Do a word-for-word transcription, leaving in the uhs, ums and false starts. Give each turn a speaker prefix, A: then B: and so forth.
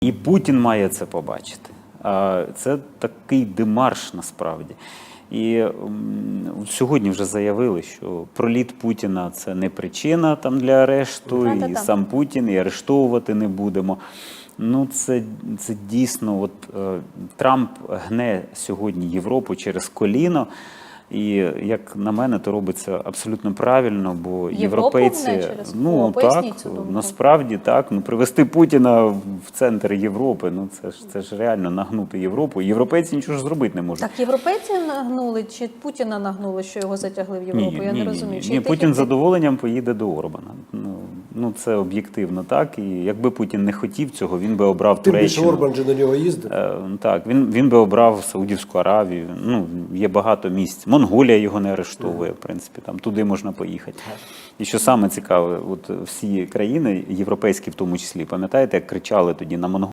A: І Путін має це побачити. Це такий демарш насправді. І сьогодні вже заявили, що проліт Путіна – це не причина там для арешту,
B: а,
A: і
B: та, та.
A: сам Путін, і арештовувати не будемо. Ну, це, це дійсно, от е, Трамп гне сьогодні Європу через коліно. І, як на мене, то робиться абсолютно правильно, бо
B: Європу
A: європейці,
B: гне через
A: ну
B: коліно?
A: так,
B: Поясніть цю думку.
A: насправді так, ну привести Путіна в центр Європи, ну це ж це ж реально нагнути Європу. Європейці нічого ж зробити не можуть.
B: Так європейці нагнули чи Путіна нагнули, що його затягли в Європу?
A: Ні,
B: Я
A: ні,
B: не
A: ні,
B: розумію.
A: Ні,
B: Чи
A: ні,
B: тих,
A: Путін
B: і
A: з
B: тих?
A: задоволенням поїде до Орбана. Ну, ну це об'єктивно так. І якби Путін не хотів цього, він би обрав
C: Тим більше
A: Туреччину.
C: Орбан же на нього їздив.
A: Е, Так, він, він би обрав Саудівську Аравію. Ну, є багато місць. Монголія його не арештовує, в принципі, там туди можна поїхати. І що саме цікаве, от всі країни, європейські в тому числі, пам'ятаєте, як кричали тоді на Монголію?